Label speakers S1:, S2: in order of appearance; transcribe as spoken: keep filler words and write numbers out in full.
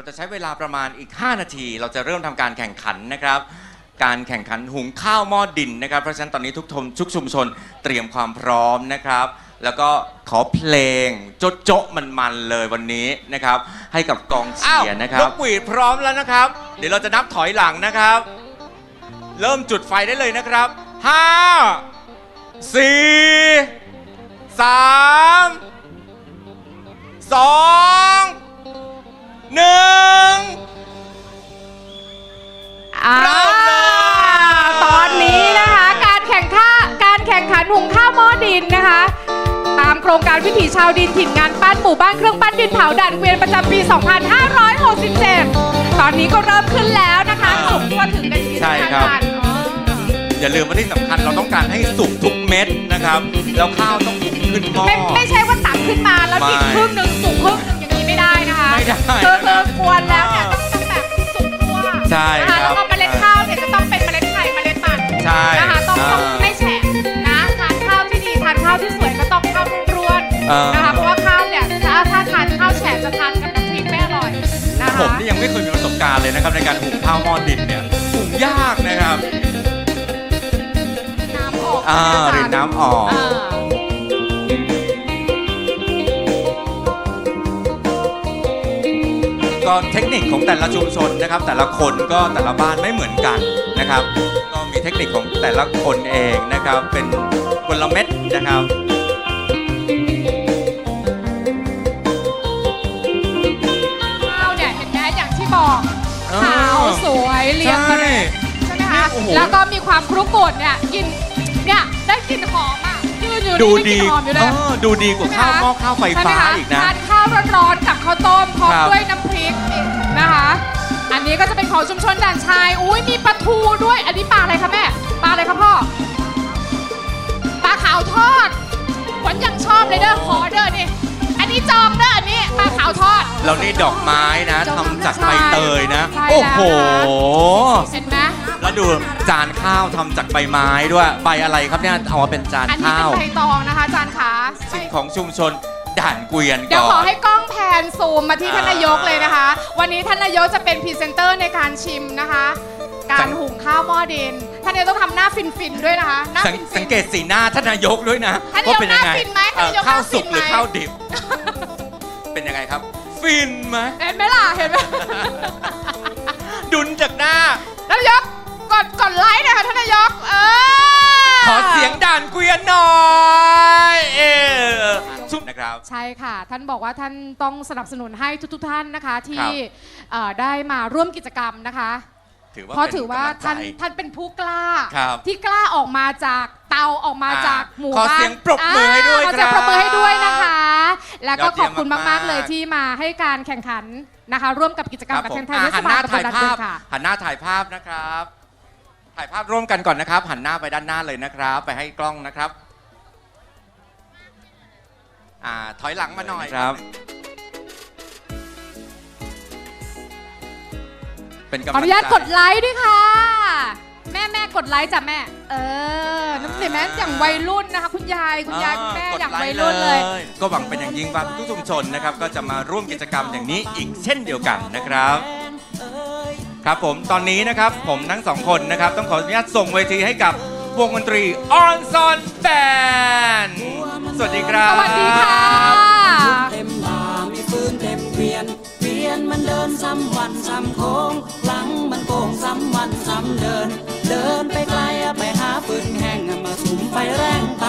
S1: เราจะใช้เวลาประมาณอีกห้านาทีเราจะเริ่มทำการแข่งขันนะครับการแข่งขันหุงข้าวหม้อดินนะครับเพราะฉะนั้นตอนนี้ทุกทมทุกชุมชนเตรียมความพร้อมนะครับแล้วก็ขอเพลงโจ๊ะโจ๊ะมันๆเลยวันนี้นะครับให้กับกองเชียร์นะครับนกหวีดพร้อมแล้วนะครับเดี๋ยวเราจะนับถอยหลังนะครับเริ่มจุดไฟได้เลยนะครับห้าสี่สามสองหนึ่งเริ่มเลย
S2: ตอนนี้นะคะการแข่งข้าการแข่งขันหุงข้าวหม้อดินนะคะตามโครงการวิถีชาวดินถิ่นงานปั้นหมู่บ้านเครื่องปั้นดินเผาด่านเกวียนประจำปี สองพันห้าร้อยหกสิบเจ็ด ตอนนี้ก็เริ่มขึ้นแล้วนะคะสุกทั่วถึงกันที่ทุกท่าน
S1: อย่าลืมว่าที่สำคัญเราต้องการให้สุกทุกเม็ดนะครับแล้วข้าวต้องสุกขึ้นหม้อ
S2: ไม่ไม่ใช่ว่าตักขึ้นมาแล้วดิบครึ่งหนึ่งสุกครึ่งหนึ่งอย่างนี้ไม่ได้นะคะ
S1: ไม่ได้
S2: คือคือกวนแล้วเนี่ยต้องต้องแบบสุกทั่ว
S1: ใช่ครับ
S2: แล้วก็เมล็ดข้าวเนี่ยจะต้องเป็นเมล็ดไข่เมล็ดมัน
S1: ใช่
S2: นะคะต้องต้องไม่แฉะนะทานข้าวที่ดีทานข้าวที่สวยก็ต้องข้าวร่วนนะคะเพราะว่าข้าวเนี่ยถ้าถ้าทานข้าวแฉะจะทานกับน้ำพริกไม่อร่อยนะคะ
S1: ผมนี่ยังไม่เคยมีประสบการณ์เลยนะครับในการหุงข้าวหม้อดินเนี่ยหุงยากนะครับ
S2: น้ำออก
S1: อ่ารินน้ำออกก็เทคนิคของแต่ละชุมชนนะครับแต่ละคนก็แต่ละบ้านไม่เหมือนกันนะครับก็มีเทคนิคของแต่ละคนเองนะครับเป็นกลเม็ดนะครับ
S2: ข้าวเนี่ยเห็นไหมอย่างที่บอกขาวสวยเรียงมาเลยใช่ไหมคะแล้วก็มีความครุกรุดเนี่ยกินเนี่ยได้กลิ่นหอมอ่ะยืนอยู่
S1: ดู
S2: ดีหอมอยู่เลย
S1: ดูดีกว่าข้าวหม้อข้าวไฟฟ้าอีกนะ
S2: ทานข้าวร้อนๆกับข้าวต้มพร้อมด้วยน้ำพริกนะคะอันนี้ก็จะเป็นของชุมชนด่านชายอุ้ยมีปลาทูด้วยอันนี้ปลาอะไรคะแม่ปลาอะไรคะพ่อปลาขาวทอดขวัญยังชอบเลยเด้อขอเด้อนี่อันนี้จองเด้ออันนี้ปลาขาวทอด
S1: แล้วนี่ดอกไม้นะทำจากใบเตยนะโอ้โห
S2: เห็นไหม
S1: แล้วดูจานข้าวทำจากใบไม้ด้วยใบอะไรครับเนี่ยเอามาเป็นจานข้าว
S2: อันนี้เป็นใบตองนะคะจานขา
S1: สิ่งของชุมชนด่านเกวียนก่อน
S2: เดี๋ยวขอให้กล้องแพนซูมมาที่ท่านนายกเลยนะคะวันนี้ท่านนายกจะเป็นพรีเซนเตอร์ในการชิมนะคะการหุงข้าวหม้อดินท่านนายกต้องทำหน้าฟินๆด้วยนะคะ
S1: สังเกตสีหน้าท่านนายกด้วยนะ
S2: ว่าเป็นยังไง
S1: ข้าวสุกหรือข้าวดิบเป็นยังไงครับฟินไหม
S2: เห็นไหมล่ะเห็นไหม
S1: ดุนจากหน้า
S2: ท่านนายกกดกดไลค์นะคะท่านนายกเออ
S1: ขอเสียงด่านเกวียนหน่อยเออชุบนะครับ
S2: ใช่ค่ะท่านบอกว่าท่านต้องสนับสนุนให้ทุกๆท่านนะคะที่ได้มาร่วมกิจกรรมนะคะเพราะถือว่าท่านท่านเป็นผู้กล้าที่กล้าออกมาจากเตาออกมาจากหมู่บ้าน
S1: ขอเสียงปรบมือให้ด้วย
S2: ขอเสียงปรบมือให้ด้วยนะคะแล้วก็ขอบคุณมากๆเลยที่มาให้การแข่งขันนะคะร่วมกับกิจกรรมกับเทนไทยเทศบาลตำบลด่านเกวียนค่ะ
S1: หันหน้าถ่ายภาพนะครับถ่ายภาพร่วมกันก่อนนะครับหันหน้าไปด้านหน้าเลยนะครับไปให้กล้องนะครับอ่าถอยหลังมาหน่อยครับ
S2: ขออนุญาตกดไลค์ด้วยค่ะแม่แม่กดไลค์จ้ะแม่เออน้ำเสียงแม่อย่างวัยรุ่นนะคะคุณยายคุณยายคุณแม่อย่างวัยรุ่นเลย
S1: ก็หวังเป็นอย่างยิ่งว่าทุกชุมชนนะครับก็จะมาร่วมกิจกรรมอย่างนี้อีกเช่นเดียวกันนะครับครับผมตอนนี้นะครับผมทั้งสองคนนะครับต้องขออนุญาตส่งเวทีให้กับวงดนตรีออนซอนแบนสวัสดีครับ
S2: สวัสดีค่ะ
S3: เต็มบ่ามีฟืนเต็มเกวียนเกวียนมันเดินซ้ำวันซ้ำโค้งหลังมันโก่งซ้ำวันซ้ำเดินเดินไปไกลไปหาฟืนแห้งมาสุมไฟแรง